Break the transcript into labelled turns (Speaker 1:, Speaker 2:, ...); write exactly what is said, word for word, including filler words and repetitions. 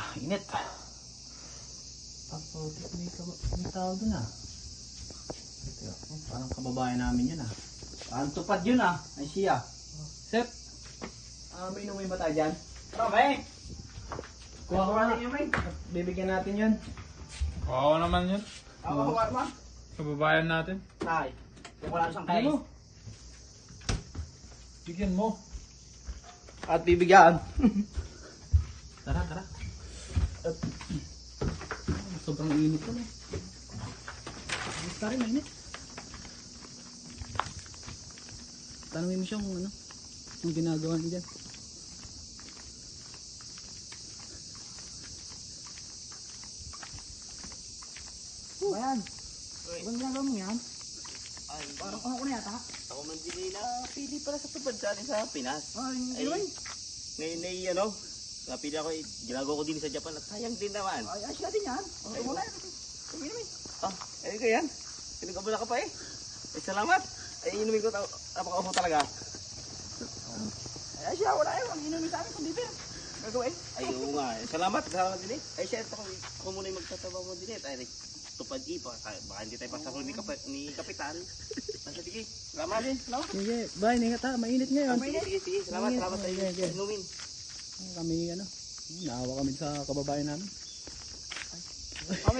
Speaker 1: Init. Pagputik, may, may tao dun ah. Ito, oh, parang kababayan namin yun ah. Parang tupad yun ah. Ay siya. Sep, ah, may inumin ba tayo dyan? Tara, may! Kuha ko na. Bibigyan natin yun.
Speaker 2: Oo naman yun.
Speaker 1: Ako, kuha mo.
Speaker 2: Kababayan natin.
Speaker 1: Tay, yung wala siyang kain.
Speaker 2: Bigyan mo.
Speaker 1: At bibigyan. Tara, tara. At, sobrang init ko na. Gusto rin, mainit. Tanungin mo siya kung ano, kung ginagawa niya dyan. Bayan, anong ginagawa mo yan?
Speaker 3: Ay,
Speaker 1: Parang ako na yata.
Speaker 3: ako man din na pili para sa tupad sa atin sa Pinas.
Speaker 1: Ay,
Speaker 3: Ay, ngayon ay ano, napili ako, eh, ginagawa ko din sa Japan at sayang din naman.
Speaker 1: ay, ayos natin yan. Ay, wala yan. Sige namin.
Speaker 3: Ah, ay ko yan. Pinagabala ka pa eh. Ay, salamat. Ay, inumin ko, napaka-uso talaga.
Speaker 1: Ay, ayos yan, wala yan. Ang inumin sa amin kung bibir. Gagawin.
Speaker 3: Ay, oo nga. eh. Salamat, salamat din eh. Ay, siya, ako, ako muna yung magtatabaw mo din eh. Ay, tupad eh, baka, baka hindi tayo pasaro ni, Kap ni Kapitan. Basta sige, salamat.
Speaker 1: Sige, bye. Ingat ha. Mainit ngayon.
Speaker 3: Sige, sige, sige. Salamat,
Speaker 1: Sige,
Speaker 3: salamat sa
Speaker 1: sige, sige.
Speaker 3: inumin.
Speaker 1: Kami, ano, naawa kami sa kababayan namin.